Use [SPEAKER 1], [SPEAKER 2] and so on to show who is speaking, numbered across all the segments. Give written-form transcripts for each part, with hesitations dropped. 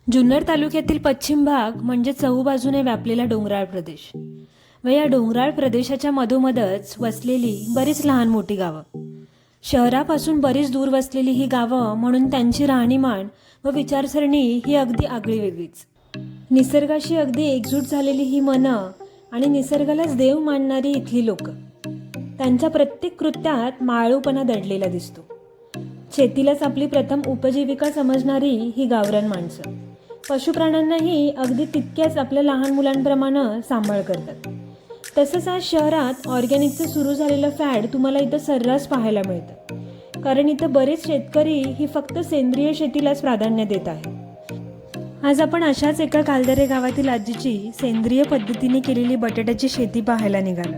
[SPEAKER 1] जुन्नर तालुक्यातील पश्चिम भाग म्हणजे चहूबाजूने व्यापलेला डोंगराळ प्रदेश व या डोंगराळ प्रदेशाच्या मधोमधच वसलेली बरीच लहान मोठी गावं. शहरापासून बरीच दूर वसलेली ही गावं म्हणून त्यांची राहणीमान व विचारसरणी ही अगदी आगळी वेगळीच. निसर्गाशी अगदी एकजूट झालेली ही मनं आणि निसर्गालाच देव मानणारी इथली लोक. त्यांच्या प्रत्येक कृत्यात माळूपणा दडलेला दिसतो. शेतीलाच आपली प्रथम उपजीविका समजणारी ही गावरान माणसं पशुप्राण्यांनाही अगदी तितक्याच आपल्या लहान मुलांप्रमाणे सांभाळ करतात. तसंच आज शहरात ऑर्गॅनिकचं सुरू झालेलं फॅड तुम्हाला इथं सर्रास पाहायला मिळतं. कारण इथं बरेच शेतकरी ही फक्त सेंद्रिय शेतीलाच प्राधान्य देत आहेत. आज आपण अशाच एका कालदरे गावातील आजीची सेंद्रिय पद्धतीने केलेली बटाट्याची शेती पाहायला निघालो.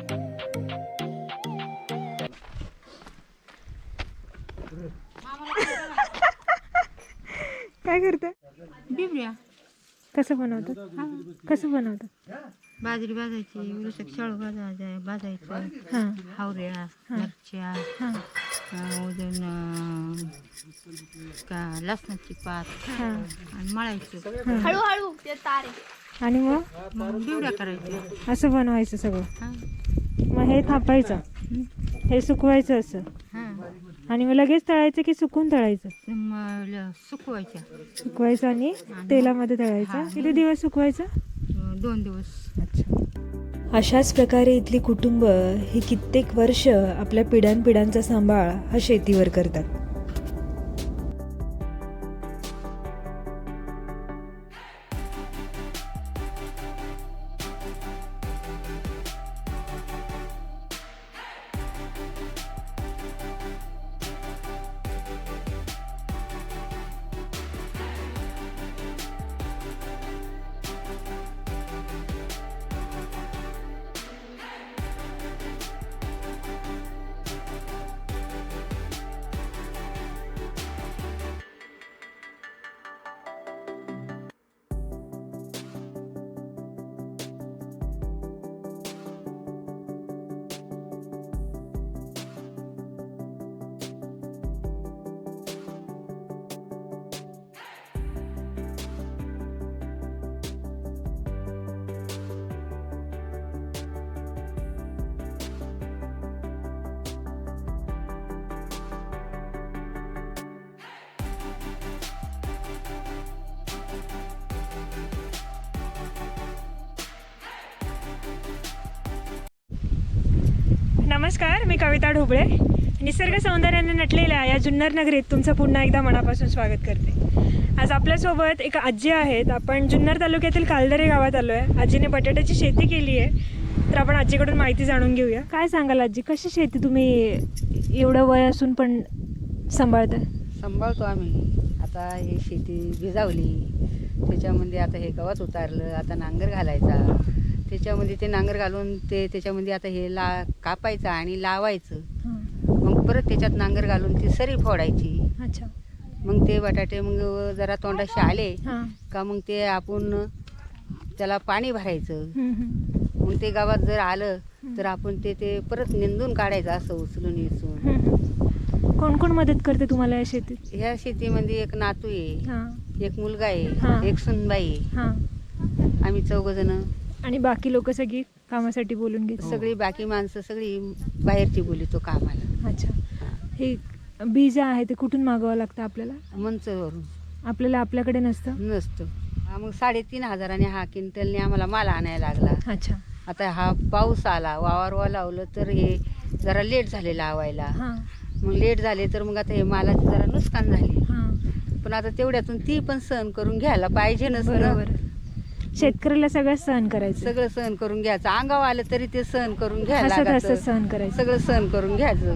[SPEAKER 1] काय करते?
[SPEAKER 2] बिबड्या
[SPEAKER 1] कसं बनवतात? कसं बनवतात?
[SPEAKER 2] बाजरी भाजायची, उलसक शाळू भाजायचं,
[SPEAKER 1] हां
[SPEAKER 2] हावऱ्या, मिरच्या,
[SPEAKER 1] हां
[SPEAKER 2] अजून का लसणाची पात
[SPEAKER 1] हां
[SPEAKER 2] आणि मळायचं.
[SPEAKER 3] हळूहळू ते तारे.
[SPEAKER 1] आणि मग
[SPEAKER 2] मग बिबड्या करायच्या.
[SPEAKER 1] असं बनवायचं सगळं.
[SPEAKER 2] हां
[SPEAKER 1] मग हे थापायचं, हे सुकवायचं असं,
[SPEAKER 2] हां
[SPEAKER 1] आणि मग लगेच तळायचं की सुकून तळायचं?
[SPEAKER 2] मग सुकवायच्या
[SPEAKER 1] सुकवायचं आणि तेलामध्ये तळायचं. किती दिवस सुकवायचं?
[SPEAKER 2] 2 दिवस.
[SPEAKER 1] अच्छा. अशाच प्रकारे इथली कुटुंब ही कित्येक वर्ष आपल्या पिढ्यानपिढ्यांचा सांभाळ हा शेतीवर करतात. नमस्कार, मी कविता ढोबळे. निसर्ग सौंदर्याने नटलेल्या या जुन्नर नगरीत तुमचं पुन्हा एकदा मनापासून स्वागत करते. आज आपल्यासोबत एक आजी आहेत. आपण जुन्नर तालुक्यातील कालदरे गावात आलो आहे. आजीने बटाट्याची शेती केली आहे, तर आपण आजीकडून माहिती जाणून घेऊया. काय सांगाल आजी, कशी शेती तुम्ही एवढं वय असून पण सांभाळता?
[SPEAKER 4] सांभाळतो आम्ही. आता हे शेती भिजावली, त्याच्यामध्ये आता हे गवत उतारलं, आता नांगर घालायचा, त्याच्यामध्ये ते नांगर घालून त्याच्यामध्ये आता हे कापायचं आणि लावायचं. मग परत त्याच्यात नांगर घालून ती सरी फोडायची.
[SPEAKER 1] अच्छा.
[SPEAKER 4] मग ते बटाटे मग जरा तोंडाशी आले
[SPEAKER 1] हां.
[SPEAKER 4] का मग ते आपण त्याला पाणी भरायचं. मग ते गावात जर आलं तर आपण ते परत निंदून काढायचं, असं उचलून इचून.
[SPEAKER 1] कोण कोण मदत करते तुम्हाला या शेतीत?
[SPEAKER 4] ह्या शेतीमध्ये एक नातू आहे,
[SPEAKER 1] हां
[SPEAKER 4] एक मुलगा
[SPEAKER 1] हां.
[SPEAKER 4] आहे, एक सुनबाई आहे.
[SPEAKER 1] हां.
[SPEAKER 4] आम्ही 4 जण.
[SPEAKER 1] आणि बाकी लोक सगळी कामासाठी बोलून घेतात?
[SPEAKER 4] सगळी बाकी माणसं सगळी बाहेरची बोलितो कामाला.
[SPEAKER 1] अच्छा. हे बीज आहे ते कुठून मागवावं लागतं आपल्याला?
[SPEAKER 4] मंचवरून.
[SPEAKER 1] आपल्याला आपल्याकडे नसतं?
[SPEAKER 4] नसतं. मग 3,500 हा क्विंटलने आम्हाला माल आणायला लागला.
[SPEAKER 1] अच्छा.
[SPEAKER 4] आता हा पाऊस आला, वावर लावलं तर हे जरा लेट झाले लावायला.
[SPEAKER 1] हां
[SPEAKER 4] मग लेट झाले तर मग आता हे मालाची जरा नुकसान झाली.
[SPEAKER 1] हां.
[SPEAKER 4] पण आता तेवढ्यातून ती पण सहन करून घ्यायला पाहिजे नसतं.
[SPEAKER 1] बरोबर. शेतकऱ्याला सगळं सहन करायचं.
[SPEAKER 4] सगळं सहन करून घ्यायचं. अंगावर आलं तरी ते सहन करून घ्यायला
[SPEAKER 1] हसत
[SPEAKER 4] लागायचं.
[SPEAKER 1] हसत सहन करायचं.
[SPEAKER 4] सगळं सहन करून घ्यायचं.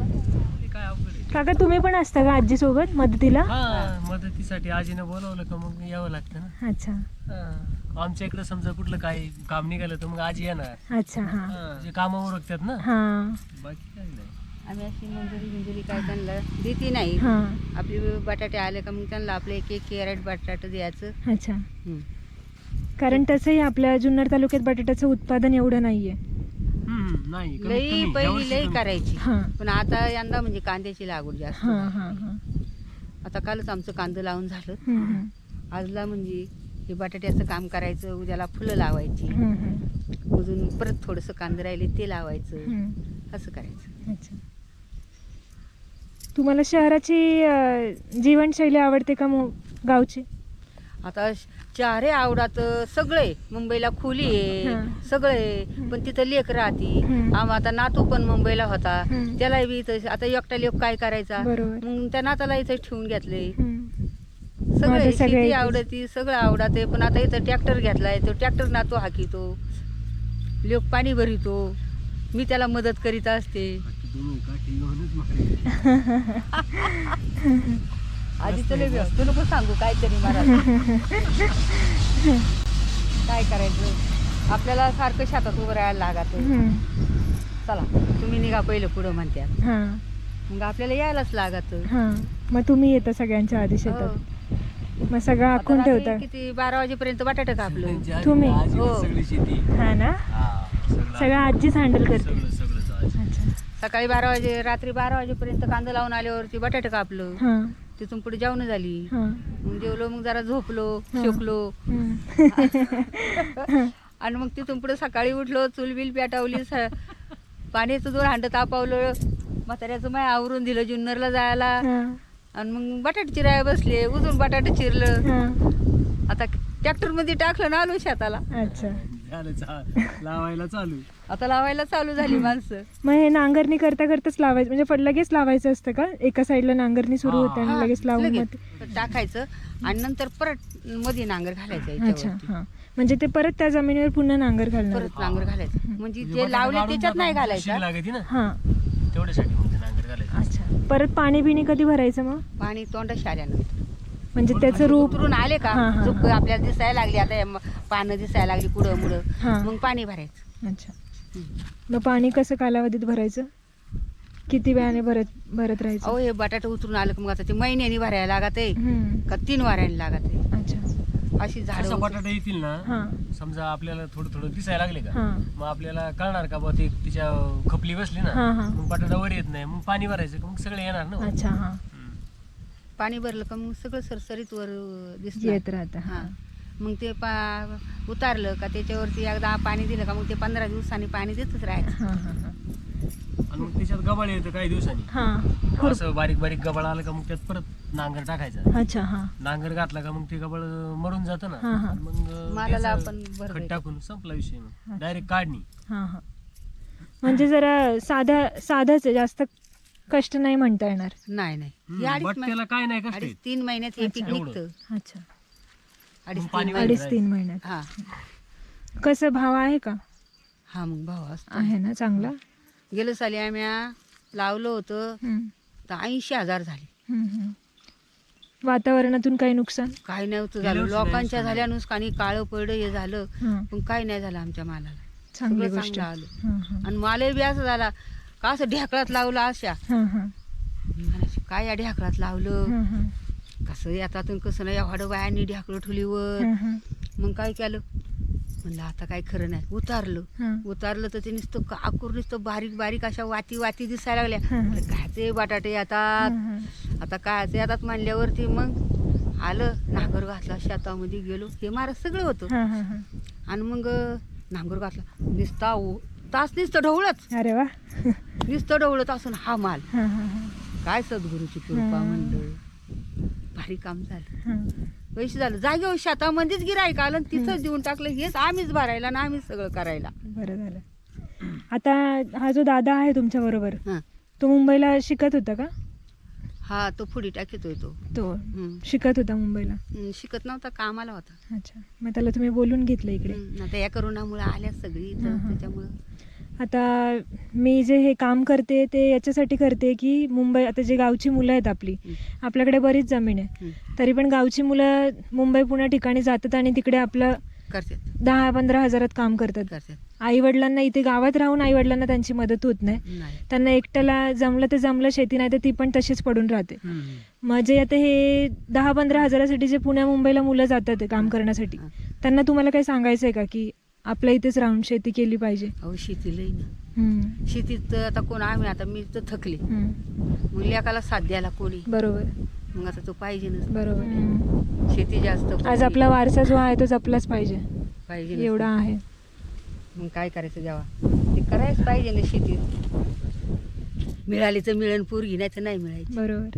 [SPEAKER 1] काका, तुम्ही पण असता का आजी सोबत मदतीला?
[SPEAKER 5] हा, मदतीसाठी आजीनं बोलवलं का मग यावं लागतं ना.
[SPEAKER 1] अच्छा.
[SPEAKER 5] हा. आमच्या इकडे समजा कुठलं काही काम निघालं तर मग आजी येणार.
[SPEAKER 1] अच्छा. हां
[SPEAKER 5] हा, जे कामावर उरकतात ना.
[SPEAKER 1] हां
[SPEAKER 5] बाकी काही नाही.
[SPEAKER 4] आम्ही अशी मंजुरी काय त्यांना देती नाही.
[SPEAKER 1] हां.
[SPEAKER 4] आपले बटाटे आले का मग त्यांना आपलं एक कॅरेट बटाटे द्यायचं.
[SPEAKER 1] अच्छा. कारण तसंही आपल्या जुन्नर तालुक्यात बटाट्याचं उत्पादन एवढं नाहीये.
[SPEAKER 5] नाही, कमीत
[SPEAKER 4] लई
[SPEAKER 5] कमी
[SPEAKER 4] पहिली
[SPEAKER 5] यावर्षी
[SPEAKER 4] लई
[SPEAKER 5] कमी.
[SPEAKER 4] करायची.
[SPEAKER 1] हां
[SPEAKER 4] पण आता यंदा म्हणजे कांद्याची लागवड जास्त.
[SPEAKER 1] हां हां हां.
[SPEAKER 4] आता कालच आमचं कांदं लावून झालं. आजला म्हणजे हे बटाट्याचं काम करायचं, उद्याला फुलं लावायची, अजून परत थोडंसं कांदे राहिले ते लावायचं, असं करायचं.
[SPEAKER 3] अच्छा. तुम्हाला शहराची जीवनशैली आवडते का गावची?
[SPEAKER 4] आता चारे आवडात सगळे, मुंबईला खोली आहे सगळे, पण तिथं लेक राहती. आता नातू पण मुंबईला होता, त्याला बी इथं आता एकटा लेक काय करायचा,
[SPEAKER 3] बरोबर.
[SPEAKER 4] मग त्या नाताला इथं ठेवून घेतले.
[SPEAKER 3] आता
[SPEAKER 4] सगळे
[SPEAKER 3] सगळे
[SPEAKER 4] शेती
[SPEAKER 3] इथेच.
[SPEAKER 4] आवडती, सगळं आवडते, पण आता इथं ट्रॅक्टर घेतलाय, तो ट्रॅक्टर नातो हाकितो, लोक पाणी भरितो, मी त्याला मदत करीत असते. आधी तुला व्यस्त नको सांगू काहीतरी मला. काय करायचं, आपल्याला सारखं शेतात उभं राहायला लागत. चला तुम्ही निघा पहिलं पुढं म्हणतात, मग आपल्याला यायलाच लागत.
[SPEAKER 3] मग तुम्ही येता सगळ्यांच्या आधी शेतात, मग सगळं आखून
[SPEAKER 4] आता
[SPEAKER 3] ठेवता?
[SPEAKER 4] रात्री किती 12 वाजेपर्यंत बटाटे कापलं.
[SPEAKER 3] तुम्ही?
[SPEAKER 4] हो.
[SPEAKER 5] सगळी शेती
[SPEAKER 3] हा ना, सगळं आजीच हँडल करते. अच्छा.
[SPEAKER 4] सकाळी 12 वाजे, रात्री 12 वाजेपर्यंत कांदा लावून आल्यावरती बटाटे कापलं. तिथून पुढे जेवण झाली, मग जेवलो, मग जरा झोपलो, शेकलो, आणि मग तिथून पुढे सकाळी उठलो, चूल बिल पेटवली, पाण्याचं 2 हांड तापवलं, म्हाताऱ्याचं माय आवरून दिलं जुन्नरला जायला, आणि मग बटाटे चिराय बसले, उजून बटाटे चिरलं, आता ट्रॅक्टर मध्ये टाकलं ना, आलो शेताला.
[SPEAKER 3] अच्छा.
[SPEAKER 5] लावायला चालू.
[SPEAKER 4] आता लावायला चालू झाली माणसं.
[SPEAKER 3] मग हे नांगरणी करता करताच लावायचं, म्हणजे लगेच लावायचं असतं का? एका साईडला नांगरणी सुरू होते आणि लगेच लावून मग
[SPEAKER 4] लगेच टाकायचं, आणि नंतर परत मध्ये नांगर घालायचं
[SPEAKER 3] अच्छा.
[SPEAKER 4] याच्यावरती.
[SPEAKER 3] हा, म्हणजे ते परत त्या जमिनीवर पुन्हा नांगर घालणार?
[SPEAKER 4] परत नांगर घालायचं, म्हणजे जे लावले त्याच्यात नाही घालायचं.
[SPEAKER 5] लागते ना,
[SPEAKER 3] हा.
[SPEAKER 5] तेवढ्यासाठी मग ते नांगर घालायचं.
[SPEAKER 3] अच्छा. परत पाणी बिणी कधी भरायचं मग?
[SPEAKER 4] पाणी तोंडाशी आल्यानंतर,
[SPEAKER 3] म्हणजे त्याचं रूप
[SPEAKER 4] उतरून आले का,
[SPEAKER 3] हा, हा,
[SPEAKER 4] झुक आपल्याला दिसायला लागली, आता हे पानं दिसायला लागली कुडं मुडं,
[SPEAKER 3] हा.
[SPEAKER 4] मग पाणी भरायचं.
[SPEAKER 3] अच्छा. मग पाणी कसं कालावधीत भरायचं? किती वेळाने भरत राहायचं?
[SPEAKER 4] अहो हे बटाटे उतरून आलं का मग आता ते महिन्यानी भरायला लागत आहे
[SPEAKER 3] हम्म.
[SPEAKER 4] का 3 वाऱ्याने लागत आहे.
[SPEAKER 3] अच्छा.
[SPEAKER 4] अशी
[SPEAKER 5] असं
[SPEAKER 4] झाडं
[SPEAKER 5] बटाटे येतील ना,
[SPEAKER 3] हा.
[SPEAKER 5] समजा आपल्याला थोडं थोडं दिसायला लागले का,
[SPEAKER 3] हा.
[SPEAKER 5] मग आपल्याला कळणार का बा ते तिच्या खपली बसली ना,
[SPEAKER 3] हा, हा.
[SPEAKER 5] मग बटाटा वर येत नाही, मग पाणी भरायचं का, मग सगळे येणार ना.
[SPEAKER 3] अच्छा. हा.
[SPEAKER 4] पाणी भरलं का मग सगळं सरसरीत वर दिसत
[SPEAKER 3] येत राहतं.
[SPEAKER 4] हा, मग ते उतारलं का त्याच्यावरती एकदा पाणी दिलं का मग ते 15 दिवसांनी पाणी देतच राहायचं.
[SPEAKER 3] हा, हा, हा.
[SPEAKER 5] आणि मग त्याच्यात गबाळ येतं काही दिवसांनी,
[SPEAKER 3] हा.
[SPEAKER 5] असं बारीक बारीक गबाळ आलं का मग त्यात परत नांगर टाकायचा.
[SPEAKER 3] अच्छा. हा.
[SPEAKER 5] नांगर घातला का मग ते गबाळ मरून जातं ना,
[SPEAKER 3] हा, हा.
[SPEAKER 5] आणि मग
[SPEAKER 4] मालाला
[SPEAKER 5] त्याचं
[SPEAKER 4] आपण भर
[SPEAKER 5] खत टाकून संपला विषय, मग डायरेक्ट काढणी.
[SPEAKER 3] हा, हा. म्हणजे जरा साधाच आहे, जास्त कष्ट नाही म्हणता येणार.
[SPEAKER 4] नाही नाही, हे
[SPEAKER 5] बट्ट्याला काय नाही कष्ट आहेत.
[SPEAKER 4] 3 महिन्यात हे पीक
[SPEAKER 5] एवढं.
[SPEAKER 4] निघतं.
[SPEAKER 3] अच्छा.
[SPEAKER 4] 2.5-3
[SPEAKER 3] 2.5-3 महिन्यात.
[SPEAKER 4] हा
[SPEAKER 3] कसं भाव आहे का?
[SPEAKER 4] हा, मग भाव असतो.
[SPEAKER 3] आहे ना चांगला?
[SPEAKER 4] गेलं साली आम्ही लावलं होतं
[SPEAKER 3] हम्म.
[SPEAKER 4] तर 80,000 झाले.
[SPEAKER 3] हम्म, हम्म. वातावरणातून काही नुकसान?
[SPEAKER 4] काही नव्हतं
[SPEAKER 5] गेल्या
[SPEAKER 4] झालं,
[SPEAKER 5] वर्षी
[SPEAKER 4] लोकांच्या
[SPEAKER 5] नाही
[SPEAKER 4] झाल्या नुकसानी, काळं पडलं हे झालं,
[SPEAKER 3] हा.
[SPEAKER 4] पण काही नाही झालं आमच्या मालाला.
[SPEAKER 3] चांगली
[SPEAKER 4] सगळं
[SPEAKER 3] गोष्ट.
[SPEAKER 4] चांगलं आलं.
[SPEAKER 3] हा, हा.
[SPEAKER 4] आणि मालही बी असं झाला का, असं ढेकळात लावलं अशा,
[SPEAKER 3] हा, हा.
[SPEAKER 4] मी म्हणायची, काय या ढेकळात लावलं,
[SPEAKER 3] हा, हा.
[SPEAKER 4] कसं येतातून कसं नाही, एवढं बायांनी ढेकळं ठुलीवर.
[SPEAKER 3] हा, हा.
[SPEAKER 4] मग काय केलं, म्हणलं आता काय खरं नाही,
[SPEAKER 3] हा.
[SPEAKER 4] उतारलं तर ते नुसतं काकूर, नुसतं बारीक बारीक अशा वाती दिसायला लागल्या.
[SPEAKER 3] हा, हा.
[SPEAKER 4] म्हणलं, कायचे बटाटे येतात,
[SPEAKER 3] हा,
[SPEAKER 4] आता कायचे येतात म्हणल्यावरती मग आलं, नांगर घातला, शेतामध्ये गेलो, हे मारत सगळं होतं.
[SPEAKER 3] हा, हा, हा.
[SPEAKER 4] आणि मग नांगर घातला, नुसता तास नुसतं ढवळत,
[SPEAKER 3] अरे वा.
[SPEAKER 4] नुसतं ढवळत असून हा माल,
[SPEAKER 3] हा, हा, हा.
[SPEAKER 4] काय सद्गुरूची कृपा म्हणलं, भारी काम झालं.
[SPEAKER 3] हा.
[SPEAKER 4] पैसे झालं जागेवर, शेतामध्येच गिराईक आलं आणि तिथंच देऊन टाकलं. हेच आम्हीच भरायला ना आम्हीच सगळं करायला.
[SPEAKER 3] बरं झालं. आता हा जो दादा आहे तुमच्या बरोबर,
[SPEAKER 4] हा
[SPEAKER 3] तो मुंबईला शिकत होता का?
[SPEAKER 4] हा, तो फुडी टाकीतोय तो.
[SPEAKER 3] तो शिकत होता मुंबईला?
[SPEAKER 4] शिकत नव्हता, कामाला होता.
[SPEAKER 3] अच्छा. मग त्याला तुम्ही बोलून घेतलं इकडे?
[SPEAKER 4] आता या करोनामुळे आल्या सगळी इथं,
[SPEAKER 3] हा, हा.
[SPEAKER 4] त्याच्यामुळं.
[SPEAKER 3] आता मी जे हे काम करते ते याच्यासाठी करते की मुंबई, आता जे गावची मुलं आहेत आपली, आपल्याकडे बरीच जमीन आहे, तरी पण गावची मुलं मुंबई पुण्या ठिकाणी जातात आणि तिकडे आपलं
[SPEAKER 4] करतात
[SPEAKER 3] 10-15 हजारात काम करतात. आई वडिलांना इथे गावात राहून आई वडिलांना त्यांची मदत होत नाही.
[SPEAKER 4] नाही.
[SPEAKER 3] त्यांना एकट्याला जमलं तर जमलं, शेती नाही तर ती पण तशीच पडून राहते. म्हणजे आता हे 10-15 हजारासाठी जे पुण्या मुंबईला मुलं जातात काम करण्यासाठी, त्यांना तुम्हाला काही सांगायचं आहे का की आपल्या इथेच राहून शेती केली पाहिजे?
[SPEAKER 4] अहो शेतीलाही ना,
[SPEAKER 3] हम्म.
[SPEAKER 4] शेतीत आता कोण, आम्ही आता मी तर थकले,
[SPEAKER 3] हम्म.
[SPEAKER 4] मग लेकाला साथ द्यायला कोणी.
[SPEAKER 3] बरोबर.
[SPEAKER 4] मग आता तो पाहिजे नसतो.
[SPEAKER 3] बरोबर.
[SPEAKER 4] शेती जास्त
[SPEAKER 3] आज आपला वारसा जो आहे तो जपलाच पाहिजे,
[SPEAKER 4] पाहिजे नसतो.
[SPEAKER 3] एवढा आहे.
[SPEAKER 4] मग काय करायचं जेव्हा ते करायच पाहिजे ना शेती. मिळाली तर मिळेल पोरगी, नाही तर नाही मिळायची.
[SPEAKER 3] बरोबर.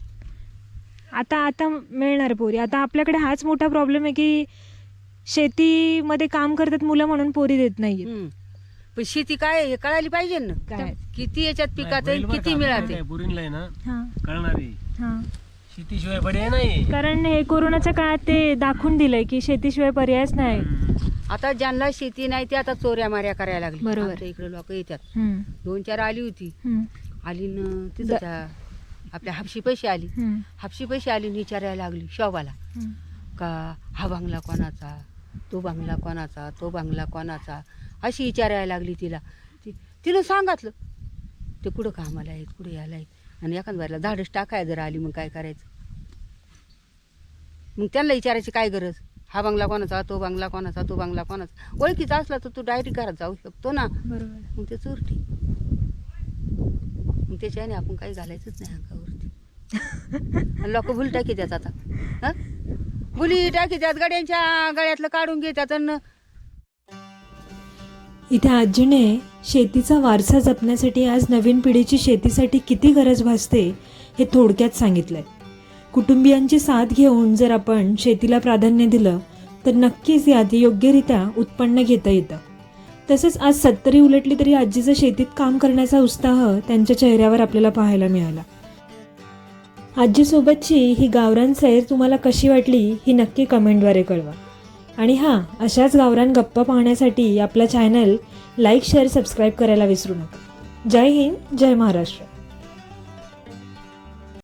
[SPEAKER 3] आता मिळणार पोरी. आता आपल्याकडे हाच मोठा प्रॉब्लेम आहे की शेतीमध्ये काम करतात मुलं म्हणून पोरी देत नाहीये.
[SPEAKER 4] पण शेती काय आहे हे कळायला पाहिजे ना.
[SPEAKER 3] काय?
[SPEAKER 4] किती याच्यात पिकात
[SPEAKER 5] नाही, बैल
[SPEAKER 4] किती
[SPEAKER 5] बरं का,
[SPEAKER 4] मिळाते.
[SPEAKER 5] काय पुरीला आहे ना
[SPEAKER 3] हां
[SPEAKER 5] कळणार आहे.
[SPEAKER 3] हां.
[SPEAKER 5] शेतीशिवाय पर्याय नाही.
[SPEAKER 3] कारण हे कोरोनाच्या काळात ते दाखवून दिलंय की शेतीशिवाय पर्यायच नाही.
[SPEAKER 4] आता ज्यांना शेती नाही ते आता चोऱ्या माऱ्या करायला लागली.
[SPEAKER 3] बरोबर.
[SPEAKER 4] आमच्या इकडे लोक येतात.
[SPEAKER 3] हम्म,
[SPEAKER 4] 2-4 आली होती.
[SPEAKER 3] हम्म,
[SPEAKER 4] आली न तिथं त्या आपल्या हापशी पैसे आली.
[SPEAKER 3] हम्म,
[SPEAKER 4] हापशी पैसे आली न विचारायला लागली शोभाला
[SPEAKER 3] हम्म.
[SPEAKER 4] का हा बंगला कोणाचा, तो बंगला कोणाचा, तो बंगला कोणाचा, अशी विचारायला लागली तिला. तिनं सांगितलं ते कुठं कामाला आहेत, कुठे यायला आहेत. आणि एखाद बारीला धाडस टाकाय जर आली मग काय करायचं. मग त्यांना विचारायची काय गरज, हा बंगला कोणाचा, तो बंगला कोणाचा, तो बंगला कोणाचा. ओळखीचा असला तर तू डायरेक्ट घरात जाऊ शकतो ना.
[SPEAKER 3] बरोबर.
[SPEAKER 4] मग ते चोरटी. मग त्याच्याने आपण काही घालायचंच नाही अंगावरती. आणि लोक भुल टाकी देतात आता. हं? भुली टाकी देतात, गड्यांच्या गळ्यातलं काढून घेतात. आणि
[SPEAKER 1] इथे आजीने शेतीचा वारसा जपण्यासाठी आज नवीन पिढीची शेतीसाठी किती गरज भासते हे थोडक्यात सांगितलंय. कुटुंबियांची साथ घेऊन जर आपण शेतीला प्राधान्य दिलं तर नक्कीच यात योग्यरित्या उत्पन्न घेता येतं. तसंच आज 70 उलटली तरी आजीचं शेतीत काम करण्याचा उत्साह त्यांच्या चेहऱ्यावर आपल्याला पाहायला मिळाला. आजीसोबतची ही गावरान सैर तुम्हाला कशी वाटली ही नक्की कमेंटद्वारे कळवा. आणि हां, अशाच गावरान गप्पा पाहण्यासाठी आपला चॅनल लाईक, शेअर, सबस्क्राईब करायला विसरू नका. जय हिंद, जय महाराष्ट्र.